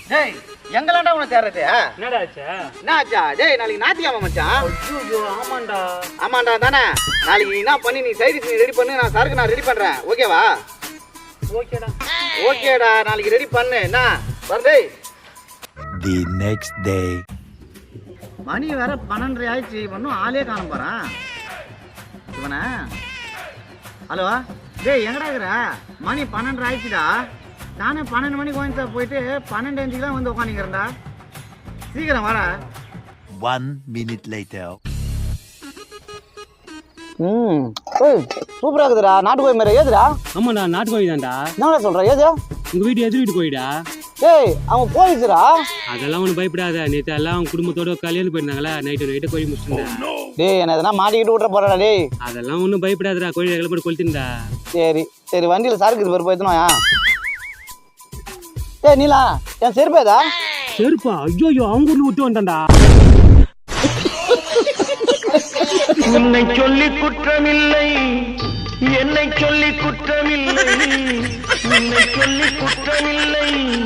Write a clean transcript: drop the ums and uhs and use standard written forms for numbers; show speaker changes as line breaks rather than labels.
டேய் எங்கலாண்டா உன தேர்றது
என்னடா ஆச்சா?
என்ன ஆச்சா டேய் நாளைக்கு ஞாயிற்றுக்கிழமை மச்சான்
ஐயோ ஆமாண்டா.
ஆமாண்டா தானே நாளைக்கு என்ன பண்ணி நீ சைடிஸ் நீ ரெடி பண்ணு நான் சரக்கு நான் ரெடி பண்றேன் ஓகேவா
ஓகேடா.
ஓகேடா நாளைக்கு ரெடி பண்ணு என்ன வரடே
The next day.
மணி வேற 12:30 ஆயிடுச்சு இன்னும் ஆளே காண போறான் இவனா ஹலோ டேய் எங்கடா இருக்கிற மணி 12:30 ஆயிடுச்சுடா நானே 12 மணிக்கு கோயம்புத்தூர் போயிட்டு 12:05 தான் வந்து உட்காந்துக்கிறேன்டா சீக்கிரம் வாடா
1 minute later.
சூப்பரா இருக்குதுடா நாட்டுக்கோழி மாதிரி ஏதுடா
ஆமாடா நாட்டுக்கோழி தான்டா.
என்னடா சொல்ற ஏது
உங்க வீட்டு எதிர் வீட்டு கோழிடா.
டேய் அவன் போலீஸ்டா
அதெல்லாம் ஒன்றும் பயப்படாத. நேற்று எல்லாம் அவங்க குடும்பத்தோட கல்யாணம் போயிருந்தாங்களா நைட்டு கோழி முடிச்சுட்டா.
டேய் என்ன எதனா மாட்டிக்கிட்டு விட்ற போறடா டேய்
அதெல்லாம் ஒன்றும் பயப்படாதடா. கோழி எங்களை போட்டு கொளுத்திருந்தா.
சரி சரி வண்டியில் சரக்கு இது போய்த்தனோயா டேய் நீலா என் செருப்பேதா
செருப்பா? ஐயோ அவங்க ஊர்ல விட்டு வந்தான்டா.
உன்னை சொல்லி குற்றமில்லை, என்னை சொல்லி குற்றமில்லை, உன்னை சொல்லி குற்றமில்லை.